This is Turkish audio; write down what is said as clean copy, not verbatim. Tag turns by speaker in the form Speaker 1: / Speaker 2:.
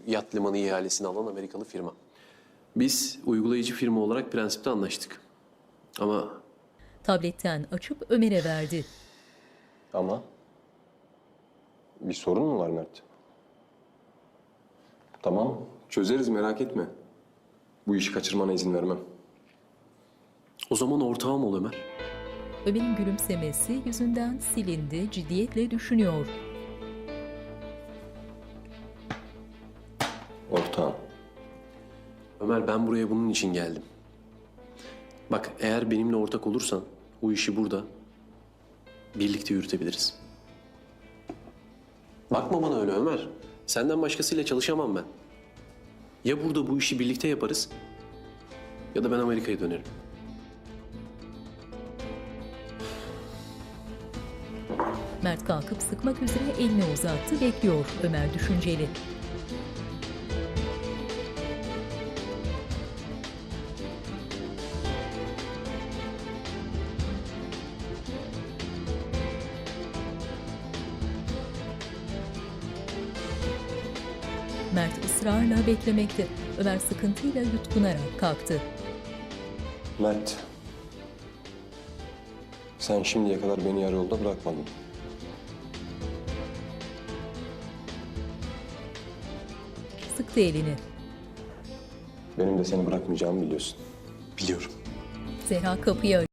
Speaker 1: yat limanı ihalesini alan Amerikalı firma. Biz uygulayıcı firma olarak prensipte anlaştık. Ama
Speaker 2: Tabletten açıp Ömer'e verdi.
Speaker 3: Ama bir sorun mu var Mert? Tamam, çözeriz merak etme. Bu işi kaçırmana izin vermem.
Speaker 1: o zaman ortağım ol Ömer.
Speaker 2: Ömer'in gülümsemesi yüzünden silindi, ciddiyetle düşünüyor.
Speaker 3: Ortağım.
Speaker 1: Ömer, ben buraya bunun için geldim. Bak, eğer benimle ortak olursan bu işi burada birlikte yürütebiliriz. Bakma bana öyle Ömer. Senden başkasıyla çalışamam ben. Ya burada bu işi birlikte yaparız ya da ben Amerika'ya dönerim.
Speaker 2: Mert kalkıp sıkmak üzere elini uzattı, bekliyor. Ömer düşünceli. Mert ısrarla beklemekte. Ömer sıkıntıyla yutkunarak kalktı.
Speaker 3: Mert. Sen şimdiye kadar beni yarı yolda bırakmadın.
Speaker 2: Sıktı elini.
Speaker 3: Benim de seni bırakmayacağımı biliyorsun.
Speaker 1: Biliyorum.
Speaker 2: Zehra kapıyı